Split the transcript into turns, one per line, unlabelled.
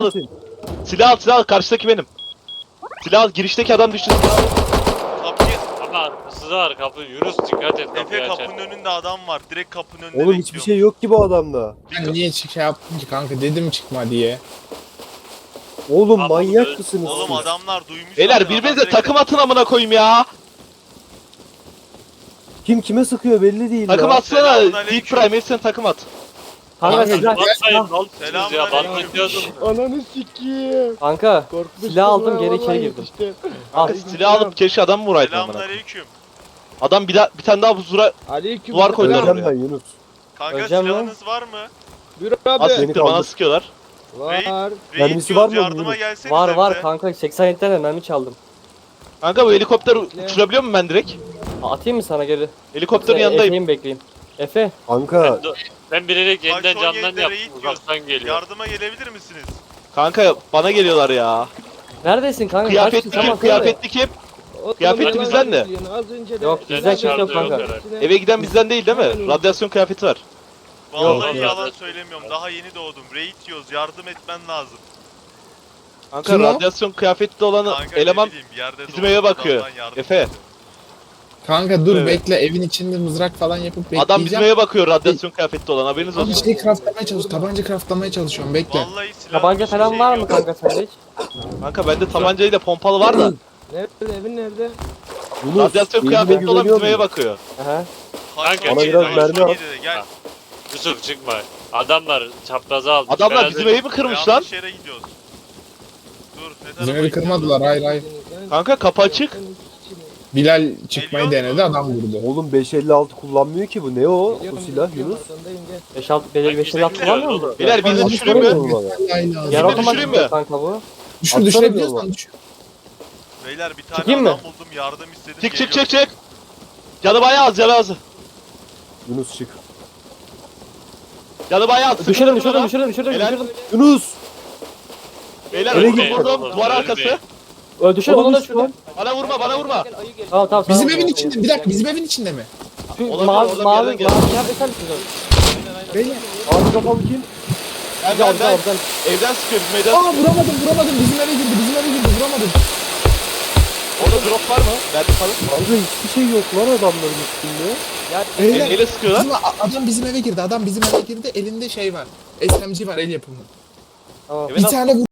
Silah al, silah al. Karşıdaki benim. Silah al. Girişteki adam düştü.
Kapıyı...
Ama hırsız var kapı. Yunus dikkat et kapıyı
Efe
açar.
kapının önünde adam var. Direkt kapının önünde
Oğlum hiçbir şey yok ki bu adamda.
Ben niye şey yaptım ki kanka, dedim çıkma diye.
Oğlum
Abi,
manyak mısınız
Oğlum
siz?
adamlar duymuş.
Beyler
zaten,
birbirinize
adam direkt-
takım atın amına koyayım ya.
Kim kime sıkıyor belli değil
Takım
ya.
atsana.
Selamünaleyküm.
Deep Prime sen takım at.
Kanka
Kanka,
silah,
Bakmayın ne oldu ya?
Selamünaleyküm.
Ben gidiyordum.
Ananı sikiyim.
kanka silah aldım geri içeri girdim. Al.
Silah alıp keşke adam vuraydın amına.
Selamünaleyküm.
Adam bir tane daha buzura
Aleyküm.
duvar koydular
Öleceğim
oraya.
ben Yunus.
Kanka
Öleceğim
silahınız var mı?
Buyur
Az
abi.
Beni
siktir bana
kaldır.
sıkıyorlar.
Var.
Reis
Mermisi
diyoruz,
var mı
yardıma
bunun?
gelsenize
Var var
bize.
kanka 80 tane mermi çaldım.
Kanka bu helikopter uçurabiliyor muyum ben direkt?
Atayım mı sana geri?
Helikopterin yanındayım.
Efe'yi mi bekleyeyim? Efe.
Kanka
Ben bilerek yeniden
son
camdan
yerinde
yaptım.
raid
Uzaktan geliyor.
Yardıma gelebilir misiniz?
Kanka bana geliyorlar ya.
Neredesin kanka?
Kıyafetli
Kaçtın?
kim?
Tamam,
Kıyafetli kim?
Oğlum,
Kıyafeti
yalan
bizden de.
söylüyorsun. Az önce de.
Yok, bizden kimse yok kanka.
Eve giden bizden değil değil mi? Radyasyon kıyafeti var.
Vallahi
Yok.
yalan söylemiyorum. Daha yeni doğdum. Raid yiyoruz. Yardım etmen lazım.
Kanka
Kim o?
radyasyon kıyafetli olan
Kanka
eleman
ne bileyim, yerde
bizim
doğdum,
eve bakıyor.
adamdan yardım.
Efe.
Kanka dur
Evet.
bekle, evin içinde mızrak falan yapıp bekleyeceğim.
Adam bizim eve bakıyor radyasyon kıyafetli olan haberiniz
Bir
olsun.
şey craftlamaya çalışıyorum, tabanca craftlamaya çalışıyorum, bekle.
Vallahi silah
Tabanca falan var mı kanka sende hiç?
Kanka bende tabancayla pompalı var da
Nerede? Evin nerede?
Yunus
radyasyon
elime
kıyafetli olan
güveniyor
bizim eve
musun?
bakıyor.
Aha.
Kanka,
Bana biraz mermi al.
Gel.
Yusuf çıkma. Adamlar çapraza aldı.
Adamlar bizim evi mi kırmış lan?
Yanlış yere gidiyoruz. Dur ne
Bizim
tarafa
evi
gidiyoruz?
kırmadılar, hayır hayır.
Kanka kapı açık.
Bilal çıkmayı
Geliyor
denedi,
mu?
adam vurdu.
Oğlum 556 kullanmıyor ki bu. Ne o? Bu silah Yunus.
5-6 belirli 5 at kullanmıyor mu?
Beyler bizi
Abi
düşüreyim mi?
sormuyorum bana.
Vallahi lazım.
Yer
Bizi
otomatik
düşüreyim
mi
mi?
kanka bu?
Düşür,
Atsana
düşürebiliyorsan
diyorum.
düşür.
Beyler bir tane
Çıkayım
adam
mı?
buldum yardım istedim.
Çık çık
geliyorum.
çık çık. Canı bayağı az canı az.
Yunus çık.
Canı bayağı az.
Düşürdüm
Sıkıntı
düşürdüm
mı lan?
düşürdüm düşürdüm
Helal.
düşürdüm.
Yunus!
Beyler
Öyle
vurdum
git.
vurdum duvar arkası.
Düşürdüm onu da düşürdüm.
Bana vurma bana vurma.
Tamam tamam.
Bizim
tamam.
evin içinde, bir dakika, bizim evin içinde mi?
Şu
Olabilir,
mavi
oradan bir
mavi
yerden geldi.
mavi kıyafet sen misin?
Beyler.
Ağzı kapalı kim?
Ben
Güzel
ben
güzel
ben.
güzel.
Evden sıkıyor bizim evden.
Aa vuramadım, bizim eve girdi, vuramadım.
Orada drop var mı? Verdi falan.
Kanka hiçbir şey yok lan adamların üstünde.
Beyler,
Neyle sıkıyorlar?
adam bizim eve girdi, elinde şey var. SMG var, el yapımı.
Tamam.
Evet,
Bir
al.
tane